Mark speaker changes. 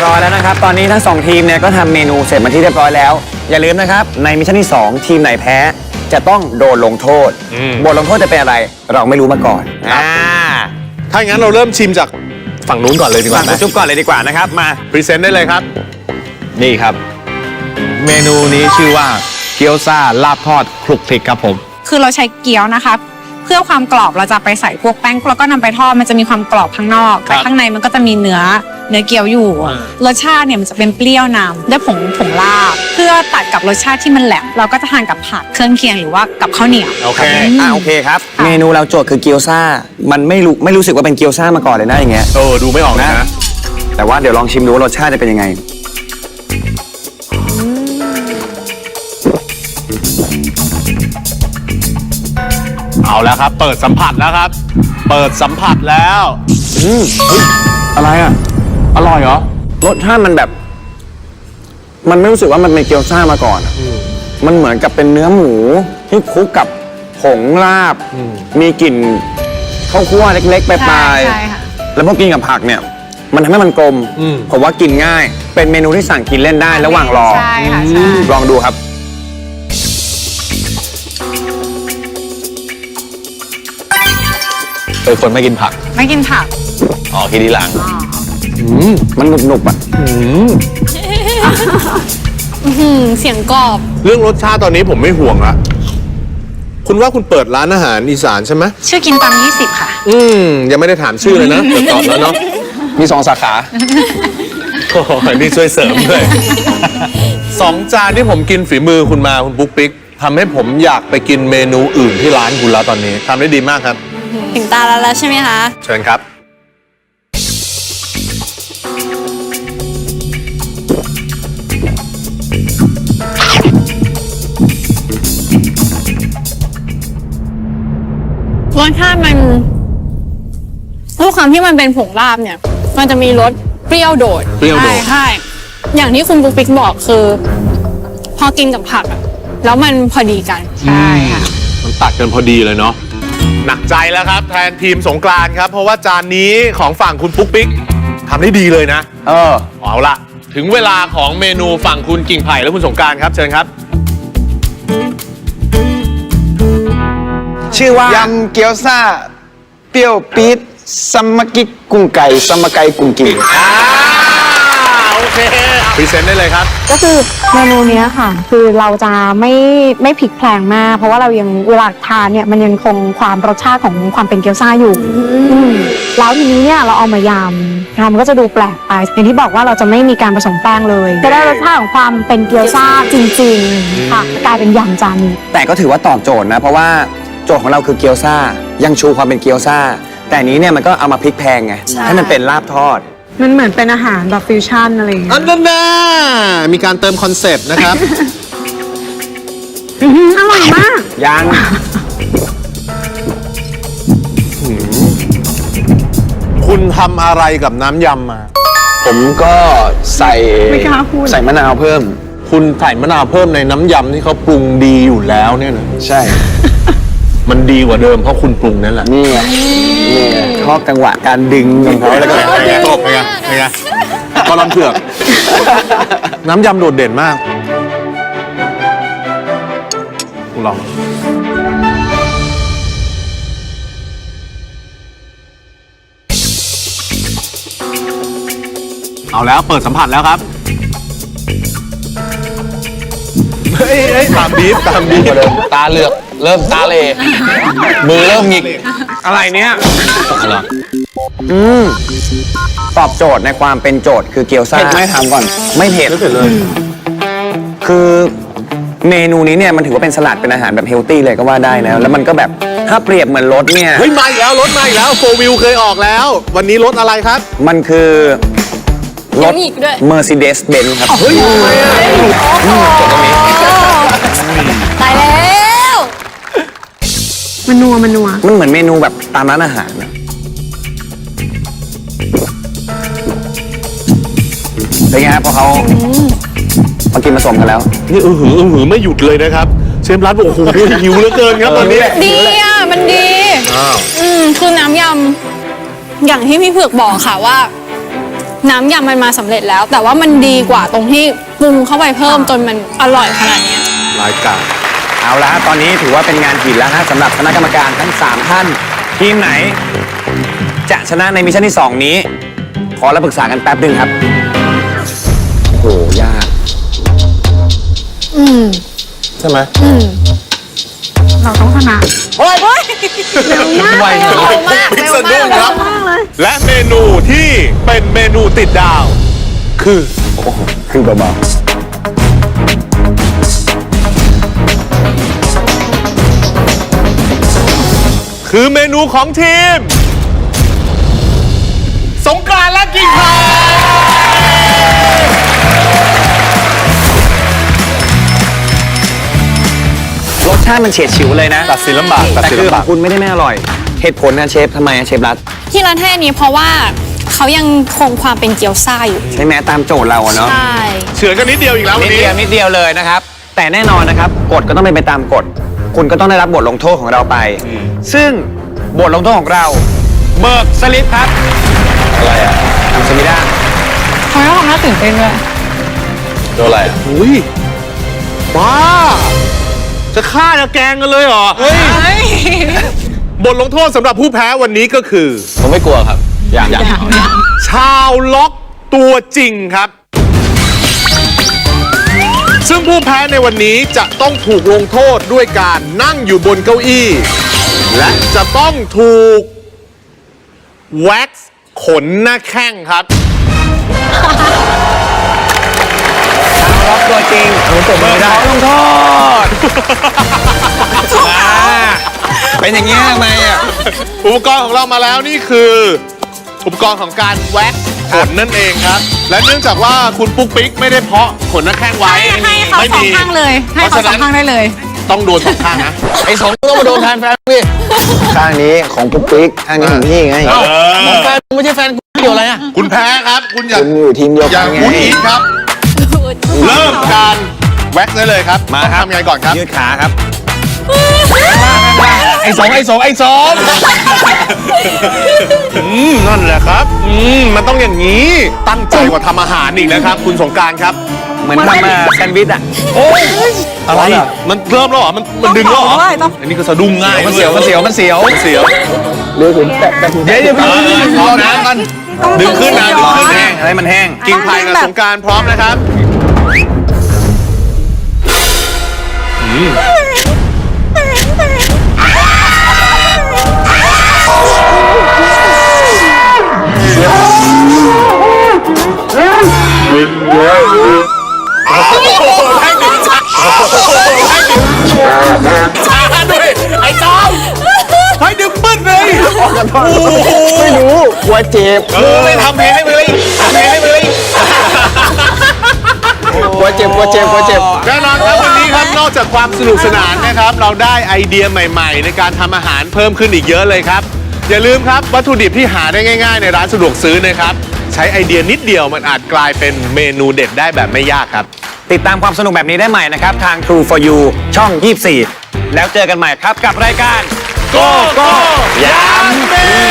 Speaker 1: ร้อยแล้วนะครับตอนนี้ทั้ง2ทีมเนี่ยก็ทำเมนูเสร็จมาที่เรียบร้อยแล้วอย่าลืมนะครับในมิชชั่นที่2ทีมไหนแพ้จะต้องโดนลงโทษบทลงโทษจะเป็นอะไรเราไม่รู้มาก่อน
Speaker 2: ถ้าอย่างนั้นเราเริ่มชิมจากฝั่งนู้นก่อนเลยดีกว่าไหม
Speaker 1: จุ๊บก่อนเลยดีกว่านะครับมา
Speaker 2: พรีเซนต์ได้เลยครับนี่ครับเมนูนี้ชื่อว่าเกี๊ยวซ่าลาบทอดคลุกคลิกครับผม
Speaker 3: คือเราใช้เกี๊ยวนะคะเพื่อความกรอบเราจะไปใส่พวกแป้งแล้วก็นำไปทอดมันจะมีความกรอบข้างนอกแต่ข้างในมันก็จะมีเนื้อเกี๊ยวอยู่รสชาติเนี่ยมันจะเป็นเปรี้ยวนำด้วยผงลาบเพื่อตัดกับรสชาติที่มันแหลมเราก็จะทานกับผักเครื่องเคียงหรือว่ากับข้าวเหนียว
Speaker 1: โอเคโอเคครับเมนูเราโจทย์คือเกี๊ยวซ่ามันไม่รู้สึกว่าเป็นเกี๊ยวซ่ามาก่อนเลยนะอย่างเงี้ย
Speaker 2: ดูไม่ออกนะ
Speaker 1: แต่ว่าเดี๋ยวลองชิมดูว่ารสชาติจะเป็นยังไง
Speaker 2: เอาแล้วครับเปิดสัมผัสแล้วครับเปิดสัมผัสแล้ว
Speaker 1: อะไรอ่ะอร่อยเหรอรสชาติมันแบบมันไม่รู้สึกว่ามันเป็นเกี๊ยวซ่ามาก่อนมันเหมือนกับเป็นเนื้อหมูที่คลุกกับผงลาบมีกลิ่นข้าวคั่วเล็กๆปลายๆแล้วพอกินกับผักเนี่ยมันทำให้มันกลมผมว่ากินง่ายเป็นเมนูที่สั่งกินเล่นได้ระหว่างรอลองดูครับ
Speaker 2: คนไม่กินผักกินทีหลัง
Speaker 1: มันหนุบๆอ่ะ
Speaker 3: เสียงกรอบ
Speaker 2: เรื่องรสชาติตอนนี้ผมไม่ห่วงละคุณว่าคุณเปิดร้านอาหารอีสานใช่ไหม
Speaker 3: ชื่อกินตำ20ค่ะ
Speaker 2: ยังไม่ได้ถามชื่อเลยนะตอบแล้วเนาะ
Speaker 1: มี2 สาขา
Speaker 2: โอ้โหนี่ช่วยเสริมด้วย2 จานที่ผมกินฝีมือคุณมาคุณปุ๊กปิ๊กทำให้ผมอยากไปกินเมนูอื่นที่ร้านคุณแล้วตอนนี้ทำได้ดีมากครับ
Speaker 3: ถึงตาแล้วใช่ไหมคะ
Speaker 2: เชิญครับ
Speaker 3: รสชาติมันด้วยความที่มันเป็นผงลาบเนี่ยมันจะมีรสเปรี้ยวโดดใช่อย่างที่คุณปุ๊กปิ๊กบอกคือพอกินกับผักแล้วมันพอดีกันใช่ค่ะ
Speaker 2: มันตัดกันพอดีเลยเนาะหนักใจแล้วครับแทนทีมสงกรานต์ครับเพราะว่าจานนี้ของฝั่งคุณปุ๊กปิ๊กทำได้ดีเลยนะเอาละถึงเวลาของเมนูฝั่งคุณกิ่งไผ่และคุณสงกรานต์ครับเชิญครับ
Speaker 1: ชื่อว่ายำเกี๊ยวซ่าเปรี้ยวปี๊ดซัมมากิกุ้งไก่ซัมมาไก่กุ้งกิ่ง
Speaker 2: โอเคพรีเซนต์ได้เลยครับ
Speaker 4: ก็คือเมนูนี้ค่ะคือเราจะไม่พลิกแพลงมากเพราะว่าเรายังเวลาทานเนี่ยมันยังคงความรสชาติของความเป็นเกี๊ยวซ่าอยู่แล้วทีนี้เนี่ยเราเอามายำมันก็จะดูแปลกไปอย่างที่บอกว่าเราจะไม่มีการผสมแป้งเลยจะได้รสชาติของความเป็นเกี๊ยวซ่าจริงๆค่ะกลายเป็นยำจานนี้
Speaker 1: แต่ก็ถือว่าตอบโจทย์นะเพราะว่าโจทย์ของเราคือเกี๊ยวซ่ายังชูความเป็นเกี๊ยวซ่าแต่นี้เนี่ยมันก็เอามาพลิกแพงไงให้มันเป็นลาบทอด
Speaker 4: มันเหมือนเป็นอาหารแบบฟิวชั่นอะไรอย่างเงี้ย
Speaker 2: นั่นน่ะมีการเติมคอนเซปต์นะครับ
Speaker 4: อร่อยมาก
Speaker 1: ยัง
Speaker 2: คุณทำอะไรกับน้ำยำมา
Speaker 1: ผมก็ใส่มะนาวเพิ่ม
Speaker 2: คุณใส่มะนาวเพิ่มในน้ำยำที่เขาปรุงดีอยู่แล้วเนี่ยนะ
Speaker 1: ใช่
Speaker 2: มันดีกว่าเดิมเพราะคุณปรุงนั่นแหละ
Speaker 1: นี่ไงชอบจังหวะการดึงของเขาแล้วก็
Speaker 2: ตบไงก็ลำเผือกน้ำยำโดดเด่นมากลองเอาแล้วเปิดสัมผัสแล้วครับเฮ้ยตามบีบ
Speaker 1: ตาเหลือกเริ่มตาเลมือเริ่มหงิกอะไรเนี้ยตอบโจทย์ในความเป็นโจทย์คือเกี๊ยวซ่าไม่ถามก่อนไม่เผ็ดเลยคือเมนูนี้เนี่ยมันถือว่าเป็นสลัดเป็นอาหารแบบเฮลตี้เลยก็ว่าได้แล้วมันก็แบบถ้าเปรียบเหมือนรถเนี่ย
Speaker 2: เฮ้ยมาอีกแล้วรถมาอีกแล้วโฟวิลเคยออกแล้ววันนี้รถอะไรครับ
Speaker 1: มันคือรถ Mercedes-Benz ครับ
Speaker 2: เฮ้ย
Speaker 1: จบตรงนี้
Speaker 3: ตายแล้ว
Speaker 4: มันนัว
Speaker 1: มันเหมือนเมนูแบบตามร้านอาหารนะเป็นไงครับพอเขามากินผสมกันแล้ว
Speaker 2: นี่หือไม่หยุดเลยนะครับเชฟร้านบอกโอ้โหหิวเหลือเกินครับตอนนี้
Speaker 3: ดีอ่ะมันดีคือน้ำยำอย่างที่พี่เผือกบอกค่ะว่า
Speaker 5: น้ำยำมันมาสำเร็จแล้ว แต่ว่ามันดีกว่าตรงที่ปรุงเข้าไปเพิ่มจนมันอร่อยขนาดเนี้ย
Speaker 2: รายการ
Speaker 1: เอาละฮะตอนนี้ถือว่าเป็นงานหินแล้วฮะสำหรับคณะกรรมการทั้ง 3 ท่าน ทีมไหน จะชนะในมิชชั่นที่ 2 นี้ ขอรับปรึกษากันแป๊บหนึ่งครับ โอ้โห ยาก
Speaker 2: ใช่ไหม
Speaker 3: เราต้องชนะ
Speaker 2: โอ้ย
Speaker 1: ไว
Speaker 5: เร็วมาก
Speaker 2: พิซซ่าดุ้งครับ และเมนูที่เป็นเมนูติดดาว คือ
Speaker 1: โอ้โหคือเบา
Speaker 2: คือเมนูของทีม สงกรานต์และกิ่งไผ่
Speaker 1: ๆรสชาติมันเฉียดฉิวเลยนะ
Speaker 2: ตัดสินลำบากตัด
Speaker 1: แต่
Speaker 2: สิน
Speaker 1: คือ
Speaker 2: ลำ
Speaker 1: ข
Speaker 2: บา
Speaker 1: อก งคุณไม่ได้ไม่อร่อย เหตุผลนะเชฟทำไมอะเชฟรัฐ
Speaker 5: ที่ร้านให้อันนี้เพราะว่าเขายังคงความเป็นเกี๊ยวซ่าอยู่
Speaker 1: ใช่ไหมตามโจทย์เราอะเนาะ
Speaker 5: ใช่
Speaker 2: เฉือนกันนิดเดียวอีกแล้ววัน
Speaker 1: นิด
Speaker 2: นี้
Speaker 1: เดียวนิดเดียวเลยนะครับ แต่แน่นอนนะครับกฎก็ต้องเป็นไปตามกฎ คุณก็ต้องได้รับบทลงโทษของเราไป ซึ่งบทลงโทษของเรา เบิกสลิปครับ อะไรอ่ะทำสมิด้า
Speaker 3: เขาไม่ทำหน้าตื่นเต้นด้วย
Speaker 1: โดนอะไรอ่ะ
Speaker 2: อุ้ยบ้า จะฆ่าจะแกล้งกันเลยเหรอ เฮ้ย บทลงโทษสำหรับผู้แพ้วันนี้ก็คือ
Speaker 1: ผมไม่กลัวครับ อย่าง
Speaker 2: ชาวล็อกตัวจริงครับ ซึ่งผู้แพ้ในวันนี้จะต้องถูกลงโทษด้วยการนั่งอยู่บนเก้าอี้ และจะต้องถูกแว็กซ์ขนหน้าแข้งครับ
Speaker 1: ล็อกตัวจริงผมจบไม่ได้ขอลงโทษเป็นอย่างนี้ทำไมอ่ะ
Speaker 2: อุปกรณ์ของเรามาแล้วนี่คือ อุปกรณ์ของการแว็กซ์ขนนั่นเองครับ และเนื่องจากว่าคุณปุ๊กปิ๊กไม่ได้เพาะขนหน้าแข้งไว้
Speaker 3: ให้เขา
Speaker 2: ไม่
Speaker 3: สอง
Speaker 2: มี
Speaker 3: ข้างเลย ให้เขาสองข้างได้เลย
Speaker 2: ต้องโดนสองข้างนะ
Speaker 1: ไอ้สองต้องมาโดนแทนแฟนพี่ข้างนี้ของปุ๊กปิ๊กข้างนี้ของพี่ไง
Speaker 2: ของแฟน
Speaker 1: ไม่ใช่แฟนเกี่ยวอะไรอ่ะ
Speaker 2: คุณแพ้ครับ คุณอย่า
Speaker 1: คุณอยู่ทีมเดียว
Speaker 2: อ
Speaker 1: กั
Speaker 2: ย่าน
Speaker 1: ไง
Speaker 2: พูดอีกครับ เริ่มการแว็กซ์ได้เลยครับ
Speaker 1: มา
Speaker 2: ต้อง
Speaker 1: ครับ
Speaker 2: ทำยังไงก่อนครับ
Speaker 1: ยืดขาครับไอ้สอง
Speaker 2: นั่นแหละครับ มันต้องอย่างนี้ ตั้งใจกว่าทำอาหารอีกนะครับ คุณสงกรานต์ครับ
Speaker 1: เหมือนทำแซนด์วิชอ่ะ
Speaker 2: อะไร มันเริ่มแล้วเหรอ มันดึงแล้วเหรอ
Speaker 3: ต้องต่อด้วยต้อง
Speaker 2: อันนี้ก็สะดุ้งง่าย
Speaker 1: มันเสียว
Speaker 2: มันเสียว
Speaker 1: เดี๋ยว
Speaker 2: พร้อมนะมันดึงขึ้นนะดึงขึ้น
Speaker 1: แห้
Speaker 2: นะ
Speaker 1: งอะไรมันแห้ง
Speaker 2: กิ่งไผ่กับสงกรานต์พร้อมนะครับ ช้าด้วยไอ้จอมให้ดึงปื้นเลยไม่รู้
Speaker 1: กลัวเจ็บ
Speaker 2: ไม่ทำเพลงให้เลยทำเพลงให้เลย
Speaker 1: กลัวเจ็บ
Speaker 2: แน่นอนครับวันนี้ครับนอกจากความสนุกสนานนะครับ เราได้ไอเดียใหม่ๆ ในการทำอาหารเพิ่มขึ้นอีกเยอะเลยครับ อย่าลืมครับวัตถุดิบที่หาได้ง่ายๆ ในร้านสะดวกซื้อนะครับ ใช้ไอเดียนิดเดียวมันอาจกลายเป็นเมนูเด็ดได้แบบไม่ยากครับ
Speaker 1: ติดตามความสนุกแบบนี้ได้ใหม่นะครับ ทาง True for You ช่อง 24 แล้วเจอกันใหม่ครับกับรายการ
Speaker 2: โก้โก้ยามเม